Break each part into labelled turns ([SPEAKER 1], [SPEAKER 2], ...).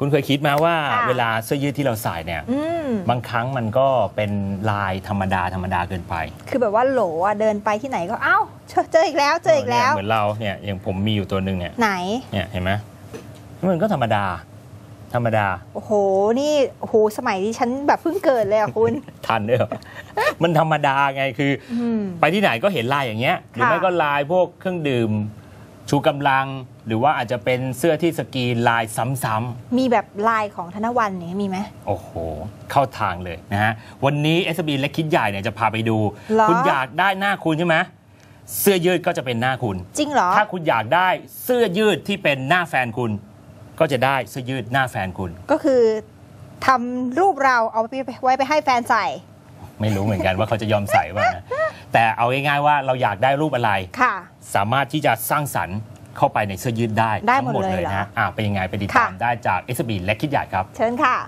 [SPEAKER 1] คุณเคยคิดมาว่าเวลาเสื้อยืดที่เราใส่เนี่ยบางครั้งมันก็เป็นลายธรรมดาเกินไป
[SPEAKER 2] คือแบบว่าโหลเดินไปที่ไหนก็เอ้าเจออีกแล้ว
[SPEAKER 1] เหมือนเราเนี่ยอย่างผมมีอยู่ตัวหนึ่งเนี่ย
[SPEAKER 2] ไหน
[SPEAKER 1] เนี่ยเห็นไหมมันก็ธรรมดา
[SPEAKER 2] โอ้โหนี่โอ้โหสมัยที่ฉันแบบเพิ่งเกิดเลยอ่ะคุณ
[SPEAKER 1] ทันด้วยมันธรรมดาไงคือไปที่ไหนก็เห็นลายอย่างเงี้ยหรือไม่ก็ลายพวกเครื่องดื่มชูกำลังหรือว่าอาจจะเป็นเสื้อที่สกรีนลายซ้ำ
[SPEAKER 2] ๆมีแบบลายของธนวรรณเนี่ยมีไหม
[SPEAKER 1] โอ้โหเข้าทางเลยนะฮะวันนี้ SB และคิดใหญ่เนี่ยจะพาไปดูคุณอยากได้หน้าคุณใช่ไหมเสื้อยืดก็จะเป็นหน้าคุณ
[SPEAKER 2] จริงเหรอ
[SPEAKER 1] ถ้าคุณอยากได้เสื้อยืดที่เป็นหน้าแฟนคุณก็จะได้เสื้อยืดหน้าแฟนคุณ
[SPEAKER 2] ก็คือทำรูปเราเอาไว้ไปให้แฟนใส่
[SPEAKER 1] ไม่รู้เหมือนกันว่าเขาจะยอมใส่ป่ะนะแต่เอาง่ายๆว่าเราอยากได้รูปอะไรสามารถที่จะสร้างสรรค์เข้าไปในเสื้อยืดได้ทั้งหมดเลยนะเป็นยังไงไปติดตามได้จาก SB และคิดใหญ่ครับ
[SPEAKER 2] เชิญค่ะ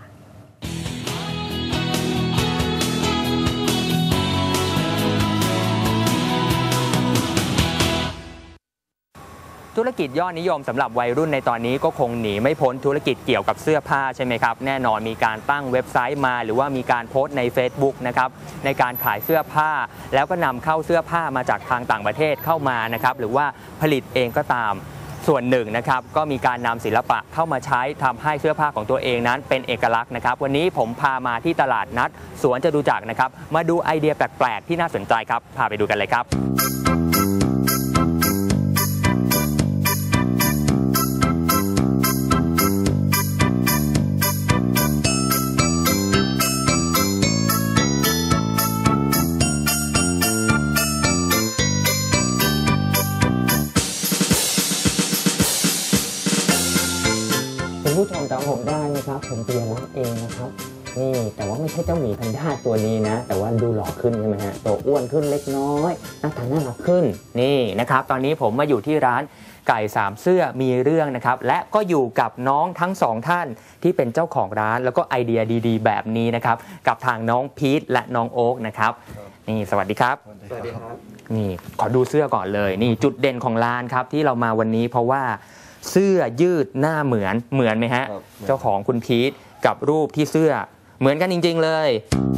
[SPEAKER 3] ธุรกิจยอดนิยมสำหรับวัยรุ่นในตอนนี้ก็คงหนีไม่พ้นธุรกิจเกี่ยวกับเสื้อผ้าใช่ไหมครับแน่นอนมีการตั้งเว็บไซต์มาหรือว่ามีการโพสต์ใน Facebook นะครับในการขายเสื้อผ้าแล้วก็นำเข้าเสื้อผ้ามาจากทางต่างประเทศเข้ามานะครับหรือว่าผลิตเองก็ตามส่วนหนึ่งนะครับก็มีการนำศิลปะเข้ามาใช้ทำให้เสื้อผ้าของตัวเองนั้นเป็นเอกลักษณ์นะครับวันนี้ผมพามาที่ตลาดนัดสวนจตุจักรนะครับมาดูไอเดียแปลกๆที่น่าสนใจครับพาไปดูกันเลยครับ
[SPEAKER 4] ผู้ชมจำผมได้นะครับผมเปียรักเองนะครับนี่แต่ว่าไม่ใช่เจ้าหมีแพนด้าตัวนี้นะแต่ว่าดูหล่อขึ้นใช่ไหมฮะตัวอ้วนขึ้นเล็กน้อยหน้าตาน่ารักขึ้นนี่นะครับตอนนี้ผมมาอยู่ที่ร้านไก่สามเสื้อมีเรื่องนะครับและก็อยู่กับน้องทั้งสองท่านที่เป็นเจ้าของร้านแล้วก็ไอเดียดีๆแบบนี้นะครับกับทางน้องพีทและน้องโอ๊กนะครับนี่สวัสดีครับ
[SPEAKER 5] สวัสดีครับ
[SPEAKER 4] นี่ขอดูเสื้อก่อนเลยนี่จุดเด่นของร้านครับที่เรามาวันนี้เพราะว่าเสื้อยืดหน้าเหมือนไหมฮะเจ้าของคุณพีทกับรูปที่เสื้อเหมือนกันจริงๆเลย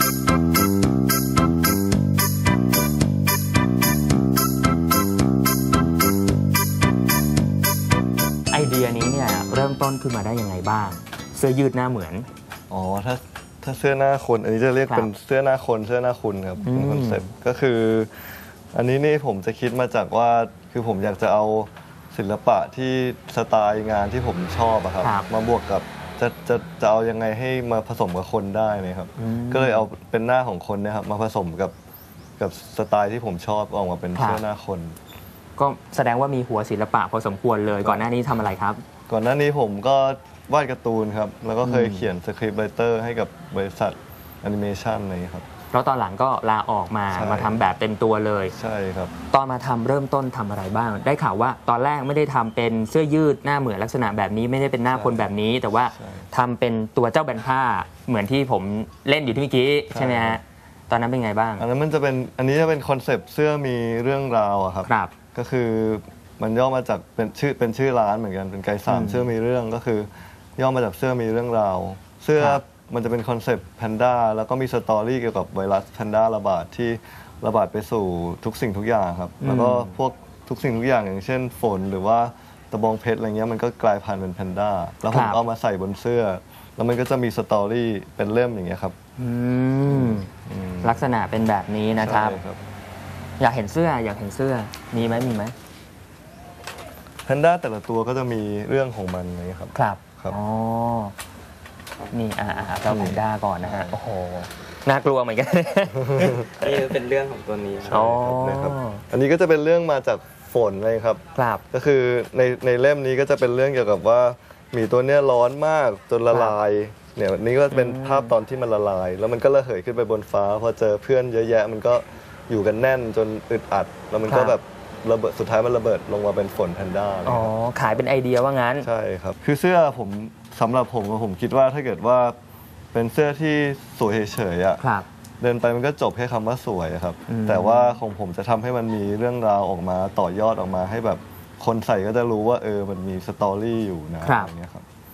[SPEAKER 4] ไอเดียนี้เนี่ยเริ่มต้นขึ้นมาได้ยังไงบ้างเสื้อยืดหน้าเหมือน
[SPEAKER 5] อ๋อถ้าเสื้อหน้าคนอันนี้จะเรียกเป็นเสื้อหน้าคนเสื้อหน้าคุณครับเป็นคอนเซ็ปต์ก็คืออันนี้นี่ผมจะคิดมาจากว่าคือผมอยากจะเอาศิลปะที่สไตล์งานที่ผมชอบอะครับมาบวกกับจะเอายังไงให้มาผสมกับคนได้นะครับก็เลยเอาเป็นหน้าของคนนะครับมาผสมกับสไตล์ที่ผมชอบออกมาเป็นเสื้อหน้าคน
[SPEAKER 4] ก็แสดงว่ามีหัวศิลปะพอสมควรเลยก่อนหน้านี้ทำอะไรครับ
[SPEAKER 5] ก่อนหน้านี้ผมก็วาดการ์ตูนครับแล้วก็เคยเขียนสคริปต์ไรเตอร์ให้กับบริษัทแอนิเมชันอะไรครับ
[SPEAKER 4] แล้วตอนหลังก็ลาออกมาทำแบบเต็มตัวเลย
[SPEAKER 5] ใช่ครับ
[SPEAKER 4] ตอนมาทำเริ่มต้นทำอะไรบ้างได้ข่าวว่าตอนแรกไม่ได้ทำเป็นเสื้อยืดหน้าเหมือนลักษณะแบบนี้ไม่ได้เป็นหน้าคนแบบนี้แต่ว่าทำเป็นตัวเจ้าแบนผ้าเหมือนที่ผมเล่นอยู่ที่เมื่อกี้ใช่ไหมฮะตอนนั้นเป็นไงบ้าง
[SPEAKER 5] อันนี้จะเป็นคอนเซปต์เสื้อมีเรื่องราวอะครับก็คือมันย่อมาจากเป็นชื่อร้านเหมือนกันเป็นไก่สามเสื้อมีเรื่องก็คือย่อมาจากเสื้อมีเรื่องราวเสื้อมันจะเป็นคอนเซปต์แพนด้าแล้วก็มีสตอรี่เกี่ยวกับไวรัสแพนด้าระบาดที่ระบาดไปสู่ทุกสิ่งทุกอย่างครับแล้วก็พวกทุกสิ่งทุกอย่างอย่างเช่นฝนหรือว่าตะบองเพชรอะไรเงี้ยมันก็กลายพันธุ์เป็นแพนด้าแล้วผมเอามาใส่บนเสื้อแล้วมันก็จะมีสตอรี่เป็นเล่มอย่างเงี้ยครับ
[SPEAKER 4] ลักษณะเป็นแบบนี้นะครับอยากเห็นเสื้อมีไหม
[SPEAKER 5] แพนด้าแต่ละตัวก็จะมีเรื่องของมันนะครับ
[SPEAKER 4] ครับอ๋อนี่เจ้าแพนด้าก่อนนะฮะโอ้โหน่ากลัวเหมือนกัน
[SPEAKER 6] นี่เป็นเรื่องของตัวนี้
[SPEAKER 5] ครับอันนี้ก็จะเป็นเรื่องมาจากฝนเลยครับก็คือในเล่มนี้ก็จะเป็นเรื่องเกี่ยวกับว่าหมีตัวเนี้ยร้อนมากจนละลายเนี่ยนี่ก็เป็นภาพตอนที่มันละลายแล้วมันก็ระเหยขึ้นไปบนฟ้าพอเจอเพื่อนเยอะแยะมันก็อยู่กันแน่นจนอึดอัดแล้วมันก็แบบระเบิดสุดท้ายมันระเบิดลงมาเป็นฝนแพนด้า
[SPEAKER 4] อ๋อขายเป็นไอเดียว่างั้น
[SPEAKER 5] ใช่ครับคือเสื้อสำหรับผมคิดว่าถ้าเกิดว่าเป็นเสื้อที่สวยเฉยๆอ่ะเดินไปมันก็จบแค่คำว่าสวยครับแต่ว่าของผมจะทำให้มันมีเรื่องราวออกมาต่อยอดออกมาให้แบบคนใส่ก็จะรู้ว่ามันมีสตอรี่อยู่นะอย่างเงี้ยครับ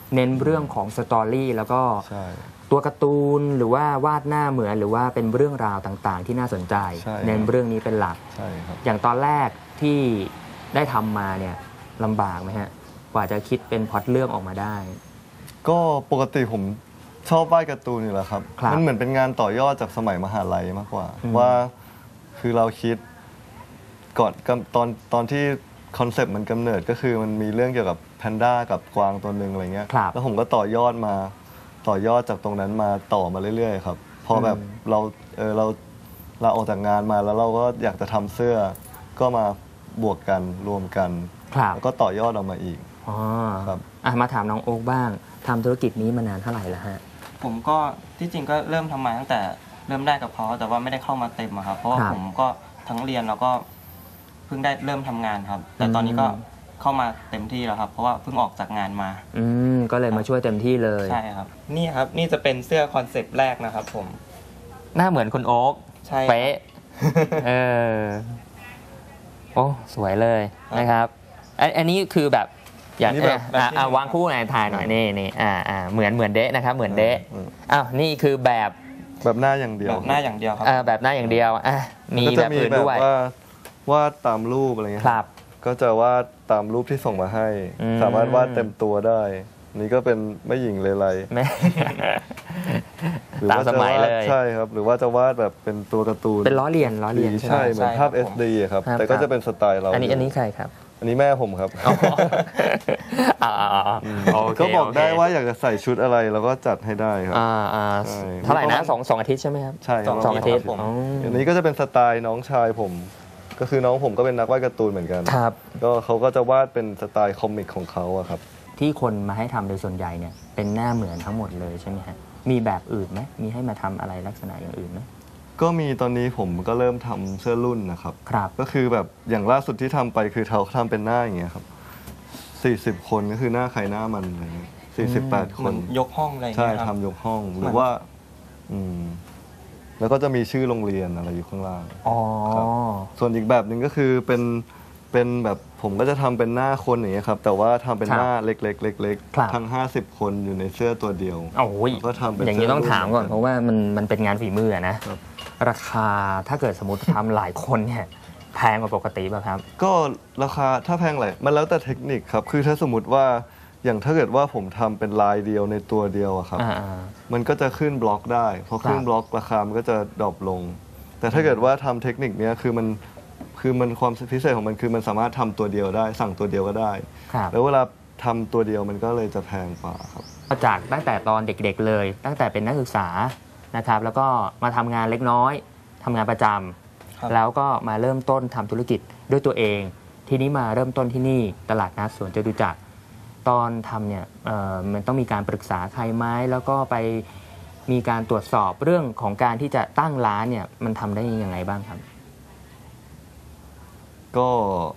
[SPEAKER 3] เน้นเรื่องของสตอรี่แล้วก็
[SPEAKER 5] ใช่
[SPEAKER 3] ตัวการ์ตูนหรือว่าวาดหน้าเหมือนหรือว่าเป็นเรื่องราวต่างๆ ที่น่าสนใจ
[SPEAKER 5] ใช่
[SPEAKER 3] เน้นเรื่องนี้เป็นหลัก
[SPEAKER 5] ใช่ครับ
[SPEAKER 3] อย่างตอนแรกที่ได้ทำมาเนี่ยลำบากไหมฮะกว่าจะคิดเป็นพล็อตเรื่องออกมาได้
[SPEAKER 5] ก็ปกติผมชอบวาดการ์ตูนอยู่แล้วครับ
[SPEAKER 3] ครับ
[SPEAKER 5] มันเหมือนเป็นงานต่อยอดจากสมัยมหาลัยมากกว่า
[SPEAKER 3] อืม
[SPEAKER 5] ว่าคือเราคิดก่อนตอนที่คอนเซปต์มันกำเนิดก็คือมันมีเรื่องเกี่ยวกับแพนด้ากับกวางตัวหนึ่งอะไรเงี้ย
[SPEAKER 3] ครับ
[SPEAKER 5] แล้วผมก็ต่อยอดจากตรงนั้นมาต่อมาเรื่อยๆครับพอแบบเราออกจากงานมาแล้วเราก็อยากจะทำเสื้อก็มาบวกกันรวมกัน
[SPEAKER 3] ครับ
[SPEAKER 5] แล้วก็ต่อยอดออกมาอีก
[SPEAKER 3] อ๋อ
[SPEAKER 5] ครับ
[SPEAKER 3] มาถามน้องโอ๊คบ้างทำธุรกิจนี้มานานเท่าไหร่แล้วฮะ
[SPEAKER 6] ผมก็ที่จริงก็เริ่มทำมาตั้งแต่เริ่มได้กับเขาแต่ว่าไม่ได้เข้ามาเต็มอะครับเพราะว่า
[SPEAKER 3] ครับ
[SPEAKER 6] ผมก็ทั้งเรียนแล้วก็เพิ่งได้เริ่มทำงานครับ แต่ตอนนี้ก็เข้ามาเต็มที่แล้วครับ เพราะว่าเพิ่งออกจากงานมา
[SPEAKER 3] ก็เลยมาช่วยเต็มที่เลย
[SPEAKER 6] ใช่ครับนี่ครับนี่จะเป็นเสื้อคอนเซปต์แรกนะครับผม
[SPEAKER 3] หน้าเหมือนคุณโอ๊ค
[SPEAKER 6] ใช่ครับ
[SPEAKER 3] เป๊ะโอ้สวยเลยนะครับอันนี้คือแบบอย่าง
[SPEAKER 5] อันนี้แบบ
[SPEAKER 3] วางคู่ไหนถ่ายหน่อยนี่เหมือนเดะนะครับเหมือนเดะ
[SPEAKER 5] อืม
[SPEAKER 3] อ้าวนี่คือแบบ
[SPEAKER 5] แบบหน้าอย่างเดียว
[SPEAKER 6] แบบหน้าอย่างเดียวครับ
[SPEAKER 3] แบบหน้าอย่างเดียวมี
[SPEAKER 5] ก็
[SPEAKER 3] แบ
[SPEAKER 5] จะ
[SPEAKER 3] บ
[SPEAKER 5] มี
[SPEAKER 3] อื่น
[SPEAKER 5] แบบ
[SPEAKER 3] ด้วย
[SPEAKER 5] วาดตามรูปอะไรเงี้ย
[SPEAKER 3] ครับ
[SPEAKER 5] ก็จะวาดตามรูปที่ส่งมาให้
[SPEAKER 3] อืม
[SPEAKER 5] สามารถวาดเต็มตัวได้ นี่ก็เป็นแม่หญิงเลไล
[SPEAKER 3] ไม่
[SPEAKER 5] หรือ
[SPEAKER 3] ตาม
[SPEAKER 5] ว่า
[SPEAKER 3] ส
[SPEAKER 5] จะ
[SPEAKER 3] มัยว
[SPEAKER 5] าด
[SPEAKER 3] เลย
[SPEAKER 5] ใช่ครับ หรือว่าจะวาดแบบเป็นตัวการ์ตูน
[SPEAKER 3] เป็นล้อเลียนใช่ไหม
[SPEAKER 5] ใช่เหมือนภาพ
[SPEAKER 6] ใช่ครับ
[SPEAKER 5] SD อะครับ
[SPEAKER 3] ครับ
[SPEAKER 5] แต่ก็จะเป็นสไตล์เรา
[SPEAKER 3] อันนี้ใครครับ
[SPEAKER 5] อันนี้แม่ผมครับ
[SPEAKER 3] โอเค
[SPEAKER 5] ก็บอก
[SPEAKER 3] โเค
[SPEAKER 5] ได้ว่าอยากจะใส่ชุดอะไรเราก็จัดให้ได้ครับ ใช่
[SPEAKER 3] เท่าไหร่นะสองอาทิตย์ใช่ไหมครับ
[SPEAKER 5] ใช่ครับ
[SPEAKER 3] สองอาทิตย์
[SPEAKER 6] ผม
[SPEAKER 5] อันนี้ก็จะเป็นสไตล์น้องชายผม ก็คือน้องผมก็เป็นนักวาดการ์ตูนเหมือนกัน
[SPEAKER 3] ครับ
[SPEAKER 5] ก็เขาก็จะวาดเป็นสไตล์คอมิกของเขาอะครับ
[SPEAKER 3] ที่คนมาให้ทำโดยส่วนใหญ่เนี่ยเป็นหน้าเหมือนทั้งหมดเลยใช่ไหมฮะมีแบบอื่นไหมมีให้มาทำอะไรลักษณะอย่างอื่นไหม
[SPEAKER 5] ก็มีตอนนี้ผมก็เริ่มทำเสื้อรุ่นนะครับ
[SPEAKER 3] ครับ
[SPEAKER 5] ก็คือแบบอย่างล่าสุดที่ทำไปคือเขาทำเป็นหน้าอย่างเงี้ยครับ40 คนก็คือหน้าใครหน้ามันอะไรเงี้ย48 ค
[SPEAKER 6] เหมือน นยกห้องอะไรอย่าง
[SPEAKER 5] ใช่
[SPEAKER 6] เงี้ยครับ
[SPEAKER 5] ทำยกห้องหรือว่าแล้วก็จะมีชื่อโรงเรียนอะไรอยู่ข้างล่าง
[SPEAKER 3] อ๋อ
[SPEAKER 5] ครับ ส่วนอีกแบบหนึ่งก็คือเป็นแบบผมก็จะทำเป็นหน้าคนอย่างเงี้ยครับแต่ว่าทำเป็นหน้าเล็กๆเล็ก
[SPEAKER 3] ครับ
[SPEAKER 5] ๆทั้ง50 คนอยู่ในเสื้อตัวเดียว
[SPEAKER 3] โอ้ย
[SPEAKER 5] ก็ทำเป็น
[SPEAKER 3] อย่างนี้ต้องถามก่อน
[SPEAKER 5] เสื้อ
[SPEAKER 3] เพราะว่ามันเป็นงานฝีมืออะนะครับ ราคาถ้าเกิดสมมติทำหลายคนเนี่ยแพงกว่าปกติป่ะครับ
[SPEAKER 5] ก็ราคาถ้าแพงไหลมันแล้วแต่เทคนิคครับคือถ้าสมมติว่าอย่างถ้าเกิดว่าผมทำเป็นลายเดียวในตัวเดียวอะครับ มันก็จะขึ้นบล็อกได้พอขึ้นบล็อกราคามันก็จะดรอปลง แต่ถ้าเกิดว่าทำเทคนิคเนี้ยคือมันความพิเศษของมันคือมันสามารถทำตัวเดียวได้ สั่งตัวเดียวก็ได้
[SPEAKER 3] ครับ
[SPEAKER 5] แล้วเวลาทำตัวเดียวมันก็เลยจะแพงกว่าครับ
[SPEAKER 3] จากตั้งแต่ตอนเด็กๆเลย ตั้งแต่เป็นนักศึกษานะครับ แล้วก็มาทำงานเล็กน้อยทำงานประจำ
[SPEAKER 6] ครับ
[SPEAKER 3] แล้วก็มาเริ่มต้นทำธุรกิจด้วยตัวเอง ทีนี้มาเริ่มต้นที่นี่ตลาดนัดสวนจตุจักรตอนทำเนี่ยมันต้องมีการปรึกษาใครไหมแล้วก็ไปมีการตรวจสอบเรื่องของการที่จะตั้งร้านเนี่ยมันทำได้ยังไงบ้างครับ
[SPEAKER 5] ก็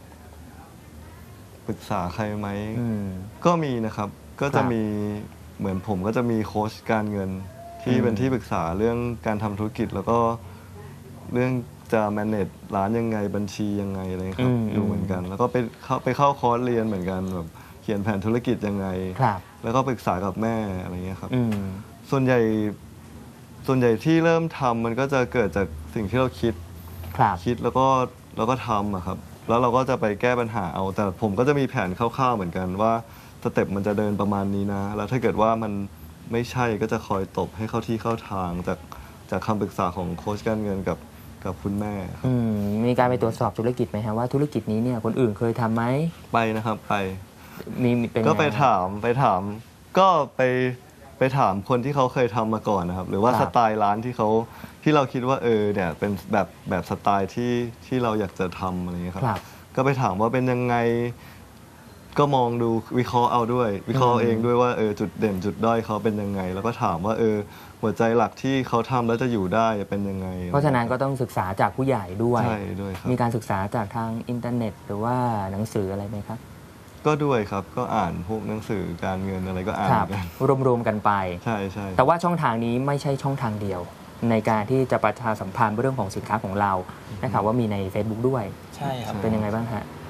[SPEAKER 5] ปรึกษาใครไหม ก็มีนะครับ ก็จะมีเหมือนผมก็จะมีโค้ชการเงินที่เป็นที่ปรึกษาเรื่องการทำธุรกิจ แล้วก็เรื่องจะ manage ร้านยังไงบัญชียังไงอะไรครับอยู่เหมือนกัน แล้วก็ไปเข้าคอร์สเรียนเหมือนกันแบบเขียนแผนธุรกิจยังไง แล้วก็ปรึกษากับแม่อะไรเงี้ยครับส่วนใหญ่ที่เริ่มทำมันก็จะเกิดจากสิ่งที่เราคิดแล้วก็ทำอะครับแล้วเราก็จะไปแก้ปัญหาเอาแต่ผมก็จะมีแผนคร่าวๆเหมือนกันว่าสเต็ปมันจะเดินประมาณนี้นะแล้วถ้าเกิดว่ามันไม่ใช่ก็จะคอยตบให้เข้าที่เข้าทางจากคำปรึกษาของโค้ชการเงินกับคุณแม่ครับ
[SPEAKER 3] มีการไปตรวจสอบธุรกิจไหมฮะว่าธุรกิจนี้เนี่ยคนอื่นเคยทำไหม
[SPEAKER 5] ไปนะครับไป
[SPEAKER 3] มีเป็น
[SPEAKER 5] ก็ไปถามก็ไปถามคนที่เขาเคยทำมาก่อนนะครับหรือว่าสไตล์ร้านที่เราคิดว่าเนี่ยเป็นแบบสไตล์ที่เราอยากจะทำอะไรอย่างเงี้ยครับก็ไปถามว่าเป็นยังไงก็มองดูวิเคราะห์เอาด้วยวิเคราะห์เองด้วยว่าจุดเด่นจุดด้อยเขาเป็นยังไง แล้วก็ถามว่าหัวใจหลักที่เขาทำแล้วจะอยู่ได้เป็นยังไง
[SPEAKER 3] เพราะฉะนั้นก็ต้องศึกษาจากผู้ใหญ่ด้วย
[SPEAKER 5] ใช่ด้วยครับ
[SPEAKER 3] มีการศึกษาจากทางอินเทอร์เน็ต หรือว่าหนังสืออะไรไหมครับ
[SPEAKER 5] ก็ด้วยครับก็อ่านพวกหนังสือการเงินอะไรก็อ่านกัน
[SPEAKER 3] รวมๆกันไป
[SPEAKER 5] ใช่
[SPEAKER 3] แต่ว่าช่องทางนี้ไม่ใช่ช่องทางเดียว ในการที่จะประชาสัมพันธ์เรื่องของสินค้าของเรานะครับว่ามีใน Facebook ด้วย
[SPEAKER 6] ใช่ครับ
[SPEAKER 3] เป็นยังไงบ้างฮะ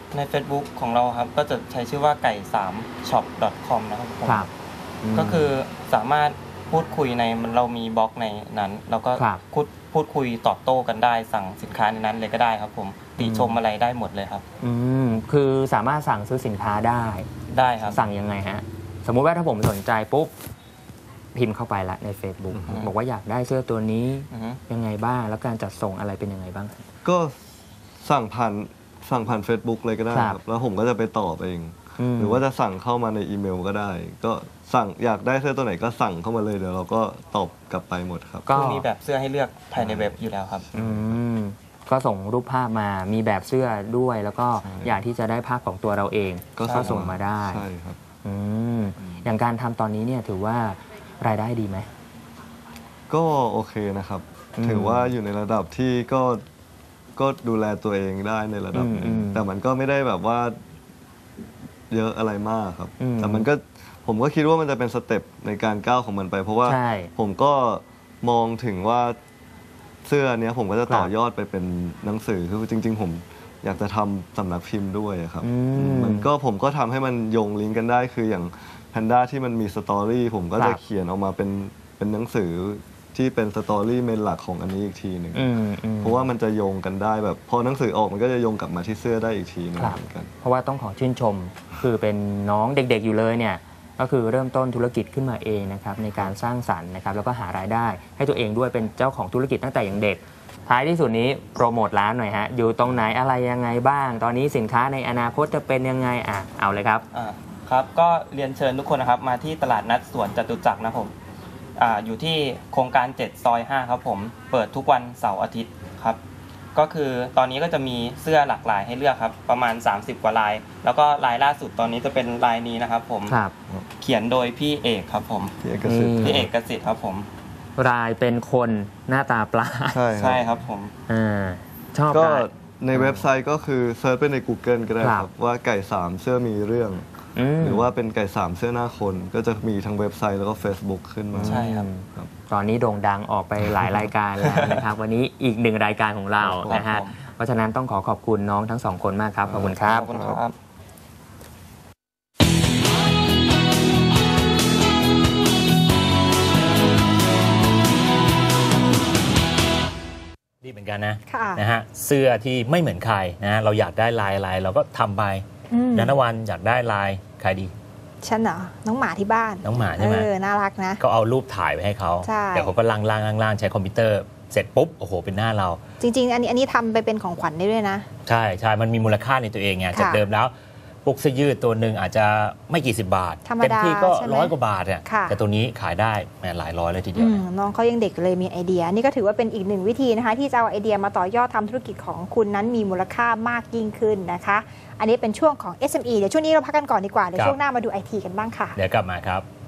[SPEAKER 6] ใน Facebook ของเราครับก็จะใช้ชื่อว่าไก่3 shop.com นะครับผม
[SPEAKER 3] ครับ
[SPEAKER 6] ก็คือสามารถพูดคุยในเรามีบล็อกในนั้นแล้วก็
[SPEAKER 3] ครับ
[SPEAKER 6] พูดคุยตอบโต้กันได้สั่งสินค้าในนั้นเลยก็ได้ครับผมติชมอะไรได้หมดเลยครับ
[SPEAKER 3] คือสามารถสั่งซื้อสินค้าได้
[SPEAKER 6] ได้ครับ
[SPEAKER 3] สั่งยังไงฮะสมมุติว่าถ้าผมสนใจปุ๊บพิมพ์เข้าไปละใน Facebook บอกว่าอยากได้เสื้อตัวนี้
[SPEAKER 6] อือฮึ
[SPEAKER 3] ยังไงบ้างแล้วการจัดส่งอะไรเป็นยังไงบ้าง
[SPEAKER 5] ก็สั่งผ่าน Facebook เลยก็ได้
[SPEAKER 3] ค
[SPEAKER 5] ค
[SPEAKER 3] รั
[SPEAKER 5] รับ บแล้วผมก็จะไปตอบเอง
[SPEAKER 3] ม
[SPEAKER 5] หรือว่าจะสั่งเข้ามาในอีเมลก็ได้ ก็สั่งอยากได้เสื้อตัวไหนก็สั่งเข้ามาเลยเดี๋ยวเราก็ตอบกลับไปหมดครับ
[SPEAKER 3] ก็
[SPEAKER 6] คือมีแบบเสื้อให้เลือกภายในเว็บอยู่แล้วครับ
[SPEAKER 3] อืมก็ส่งรูปภาพมามีแบบเสื้อด้วย แล้วก็
[SPEAKER 5] ใช่
[SPEAKER 3] อยากที่จะได้ภาพของตัวเราเองก็ส่งมาได้
[SPEAKER 5] ใช่ครับ
[SPEAKER 3] อืมอย่างการทำตอนนี้เนี่ยถือว่ารายได้ดีไหม
[SPEAKER 5] ก็โอเคนะครับ
[SPEAKER 3] อืม
[SPEAKER 5] ถือว่าอยู่ในระดับที่ก็ดูแลตัวเองได้ในระดับหนึงแต่มันก็ไม่ได้แบบว่าเยอะอะไรมากครับ แต่มันก็ผมก็คิดว่ามันจะเป็นสเต็ปในการก้าวของมันไป เพราะว่า
[SPEAKER 3] ใช่
[SPEAKER 5] ผมก็มองถึงว่าเสื้อเนี้ยผมก็จะต่อยอดไปเป็นหนังสือคือจริง ๆ ผมอยากจะทำสำนักพิมพ์ด้วยอะครับ มันก็ผมก็ทำให้มันโยงลิงก์กันได้คืออย่างแพนด้าที่มันมีสตอรี่ผมก็
[SPEAKER 3] ครั
[SPEAKER 5] จะ
[SPEAKER 3] บ
[SPEAKER 5] เขียนออกมาเป็นหนังสือที่เป็นสตอรี่เมนหลักของอันนี้อีกทีหนึ่งเพราะว่ามันจะโยงกันได้แบบพอหนังสือออกมันก็จะโยงกลับมาที่เสื้อได้อีกทีหนึง
[SPEAKER 3] ครับ
[SPEAKER 5] เหมือนกัน
[SPEAKER 3] เพราะว่าต้องขอชื่นชม คือเป็นน้องเด็กๆอยู่เลยเนี่ยก็คือเริ่มต้นธุรกิจขึ้นมาเองนะครับในการสร้างสรรค์นะครับแล้วก็หารายได้ให้ตัวเองด้วยเป็นเจ้าของธุรกิจตั้งแต่อย่างเด็ก ท้ายที่สุดนี้โปรโมทร้านหน่อยฮะอยู่ตรงไหนอะไรยังไงบ้าง ตอนนี้สินค้าในอนาคตจะเป็นยังไงเอาเลยครับ
[SPEAKER 6] ครับก็เรียนเชิญทุกคนนะครับมาที่ตลาดนัดสวนจตุจักรนะผมอยู่ที่โครงการ7ซอย5ครับผมเปิดทุกวันเสาร์อาทิตย์ครับก็คือตอนนี้ก็จะมีเสื้อหลากหลายให้เลือกครับประมาณ30กว่าลาย แล้วก็ลายล่าสุดตอนนี้จะเป็นลายนี้นะครับผม
[SPEAKER 3] ครับ
[SPEAKER 6] เขียนโดยพี่เอกครับผม
[SPEAKER 5] ที่เอกสิทธิ์
[SPEAKER 6] พี่เอกเกษตรครับผม
[SPEAKER 3] รายเป็นคนหน้าตาปลา
[SPEAKER 5] ใช่
[SPEAKER 6] ใช่
[SPEAKER 5] ครับ
[SPEAKER 6] ครับผม
[SPEAKER 3] ชอบ
[SPEAKER 5] ก็
[SPEAKER 3] ลาย
[SPEAKER 5] ในเว็บไซต์ก็คือเซิร์ชไปใน Google ก็ได้
[SPEAKER 3] ค
[SPEAKER 5] ค
[SPEAKER 3] รั
[SPEAKER 5] รับ บว่าไก่3เสื้อมีเรื่อง หรือว่าเป็นไก่3เสื้อหน้าคนก็จะมีทั้งเว็บไซต์แล้วก็ Facebook ขึ้นมา
[SPEAKER 6] ใช่ครับ
[SPEAKER 3] ตอนนี้โด่งดังออกไปหลายรายการแล้วนะครับ วันนี้อีกหนึ่งรายการของเรานะฮะ
[SPEAKER 6] ครับผม
[SPEAKER 3] เพราะฉะนั้นต้องขอบคุณน้องทั้งสองคนมากครับ ขอบคุณครับ
[SPEAKER 6] ขอบคุณครับ
[SPEAKER 1] ดีเหมือนกันนะ
[SPEAKER 2] ค่ะ
[SPEAKER 1] นะฮะเสื้อที่ไม่เหมือนใครนะเราอยากได้ลายอะไรเราก็ทำไป ยานวันอยากได้ลายใครดี
[SPEAKER 2] ฉันเหรอ น้องหมาที่บ้าน
[SPEAKER 1] น้องหมาใช่ไหม
[SPEAKER 2] น่ารักนะ
[SPEAKER 1] ก็เอารูปถ่ายไปให้เขา
[SPEAKER 2] ใช่
[SPEAKER 1] เดี๋ยวเขาก็ล่างใช้คอมพิวเตอร์เสร็จปุ๊บโอ้โหเป็นหน้าเรา
[SPEAKER 2] จริง ๆ อันนี้ทำไปเป็นของขวัญได้ด้วยนะ
[SPEAKER 1] ใช่ใช่มันมีมูลค่าในตัวเองไง
[SPEAKER 2] ค่ะ
[SPEAKER 1] จากเดิมแล้วพวกเสื้อยืดตัวหนึ่งอาจจะไม่กี่สิบบาท
[SPEAKER 2] ธรรมดา
[SPEAKER 1] เต็มที่ก็
[SPEAKER 2] ใช่ไหม
[SPEAKER 1] 100 กว่าบาทอ่ะ
[SPEAKER 2] ค่ะ
[SPEAKER 1] แต่ตัวนี้ขายได้แหมหลายร้อยเลยทีเดียวนะ
[SPEAKER 2] น้องเขายังเด็กเลยมีไอเดีย นี่ก็ถือว่าเป็นอีกหนึ่งวิธีนะคะ ที่จะเอาไอเดียมาต่อยอดทำธุรกิจของคุณนั้นมีมูลค่ามากยิ่งขึ้นนะคะ อันนี้เป็นช่วงของ SME เดี๋ยวช่วงนี้เราพักกันก่อนดีกว่า เดี๋ยว
[SPEAKER 1] ครับ
[SPEAKER 2] ช่วงหน้ามาดู IT กันบ้างค่ะ
[SPEAKER 1] เดี๋ยวกลับมาครับ